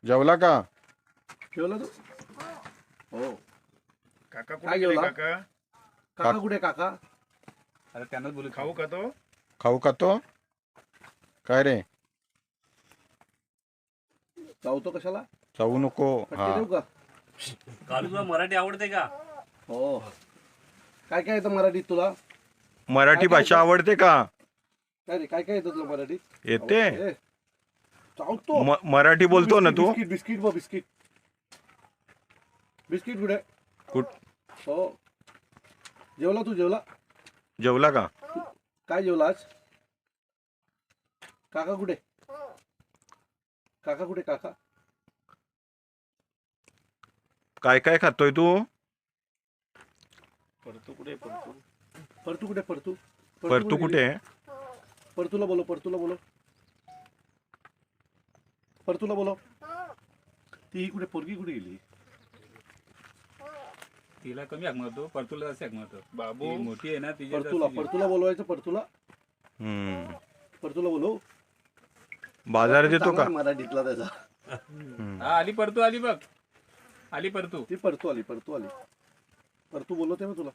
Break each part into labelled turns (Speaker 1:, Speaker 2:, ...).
Speaker 1: जेवला का?
Speaker 2: जेवला तू? हो.
Speaker 3: काका
Speaker 2: काय
Speaker 3: कुठे गेले
Speaker 2: जेवला?
Speaker 3: काका?
Speaker 2: काका कुठे काका?
Speaker 4: अरे त्यांनाच बोलू
Speaker 3: खाऊ का तो?
Speaker 1: खाऊ का तो? काय रे?
Speaker 2: चावतो कशाला?
Speaker 1: चावू नको.
Speaker 2: फटके
Speaker 1: हा
Speaker 2: देऊ का?
Speaker 5: कालू तुला मराठी आवडते का?
Speaker 2: हो. काय काय येतं मराठीत तुला?
Speaker 1: मराठी भाषा आवडते का?
Speaker 2: काय रे काय काय येतं तुला मराठीत?
Speaker 1: येते.
Speaker 2: ए, चावतो.
Speaker 1: मराठी बोलतो ना तू?
Speaker 2: बिस्किट बिस्किट बघ बिस्किट. बिस्किट कुठे?
Speaker 1: कुठ
Speaker 2: हो. जेवला तू जेवला?
Speaker 1: जेवला का?
Speaker 2: काय जेवला आज? काका कुठे? काका कुठे काका?
Speaker 1: काय काय खातोय तू?
Speaker 3: परतू कुठे परतू?
Speaker 2: परतू कुठे परतू?
Speaker 1: परतू कुठे?
Speaker 2: परतूला बोलो परतूला बोलो. परतूला बोलो. ती कुठे पोरगी कुठे गेली?
Speaker 4: तिला कमी हाक मारतो, परतूला जास्त हाक मारतो.
Speaker 3: बाबू
Speaker 4: ती मोठी आहे ना तिची
Speaker 2: परतूला परतूला बोलवायचं परतूला. परतूला बोलव.
Speaker 1: बाजारात येतो का?
Speaker 2: मराठीतला त्याचा.
Speaker 4: हा आली परतू आली बघ. आली परतू.
Speaker 2: ती परतू आली परतू आली. परतू बोलवते ना तुला.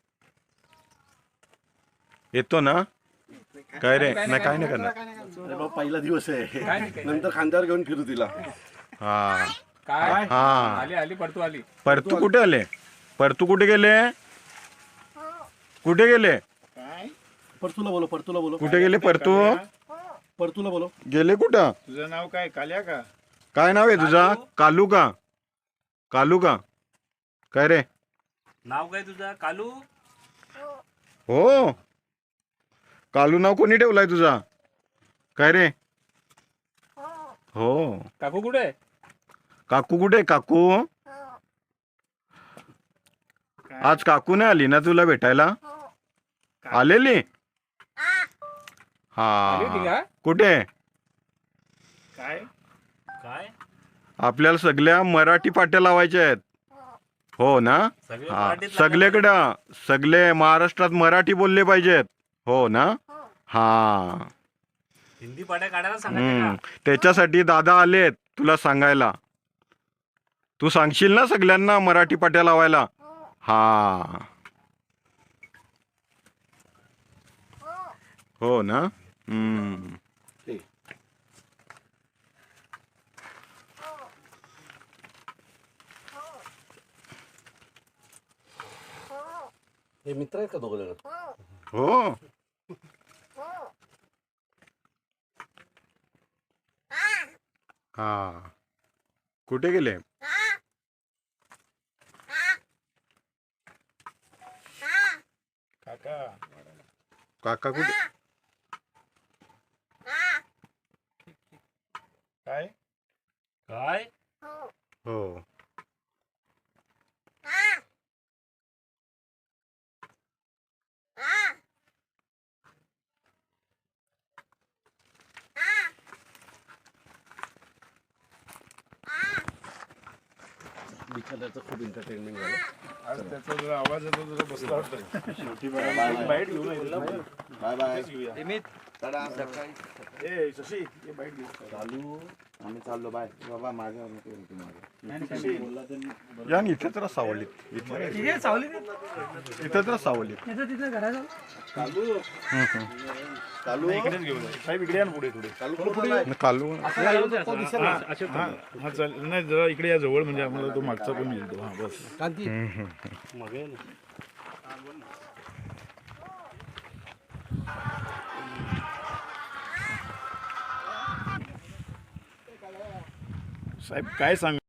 Speaker 1: येतो ना? काय रे? नाही काय नाही करणार.
Speaker 2: अरे बाबा पहिला दिवस आहे.
Speaker 4: काय नाही, काय नाही.
Speaker 2: नंतर खांद्यावर घेऊन फिरू तिला.
Speaker 1: हा
Speaker 4: काय
Speaker 1: हा.
Speaker 4: आली आली परतू आली.
Speaker 1: परतू कुठे आले? परतू कुठे गेले? कुठे गेले?
Speaker 3: काय?
Speaker 2: परतूला बोलो परतूला बोलो.
Speaker 1: कुठे गेले परतू?
Speaker 2: परतूला बोलो.
Speaker 1: गेले कुठं?
Speaker 3: तुझं नाव काय? काल्या का?
Speaker 1: काय नाव आहे तुझा? कालू का? कालू का? काय रे?
Speaker 5: नाव काय तुझं? कालू?
Speaker 1: हो. कालू नाव कोणी ठेवलाय तुझा? काय रे? हो.
Speaker 4: काकू कुठे?
Speaker 1: काकू कुठे? काकू आज काकू नाही आली ना तुला भेटायला? आलेली?
Speaker 4: आली होती
Speaker 1: हा.
Speaker 4: का?
Speaker 1: कुठे?
Speaker 3: काय?
Speaker 5: काय?
Speaker 1: आपल्याला सगळ्या मराठी पाट्या लावायच्या आहेत. हो ना?
Speaker 5: सगळे
Speaker 1: हा.
Speaker 5: मराठीत
Speaker 1: सगळीकडं सगळे महाराष्ट्रात मराठी बोलले पाहिजेत. हो ना? हा.
Speaker 5: हिंदी पाड्या काढायला सांगायचं का?
Speaker 1: त्याच्यासाठी दादा आलेत तुला सांगायला. तू सांगशील ना सगळ्यांना मराठी पाट्या लावायला? हा. हो ना?
Speaker 2: हे मित्र आहेत का दोघं जण?
Speaker 1: हो. हा. कुठे गेले?
Speaker 3: काका
Speaker 1: काका कुठे?
Speaker 3: काय?
Speaker 5: काय?
Speaker 1: हो.
Speaker 2: बिचाऱ्याचं खूप एंटरटेनमेंट झालं.
Speaker 3: आज त्याचा जरा आवाज येतो जरा बसला वाटतं.
Speaker 2: बाय
Speaker 3: बाईट घेऊन ये.
Speaker 2: Bye bye.
Speaker 3: तेच घेऊया.
Speaker 2: टाटा. सकाळी
Speaker 3: ए शशी ये बाईट घेऊ.
Speaker 2: चालू आम्ही चाललो बाय बाबा माझ्या
Speaker 3: शशी
Speaker 1: या ना, इथे तर सावलीत. इथे तर सावलीत.
Speaker 2: चालू चालू
Speaker 3: इकडेच घेऊन ये. साहेब इकडे या ना पुढे थोडे.
Speaker 2: चालू कुठे आहे?
Speaker 1: कालू
Speaker 3: हा चालेल. नाही जरा इकडे या जवळ म्हणजे आम्हाला तो मागचा पण मिळतो. हा बस.
Speaker 2: कांती
Speaker 3: साहेब काय सांग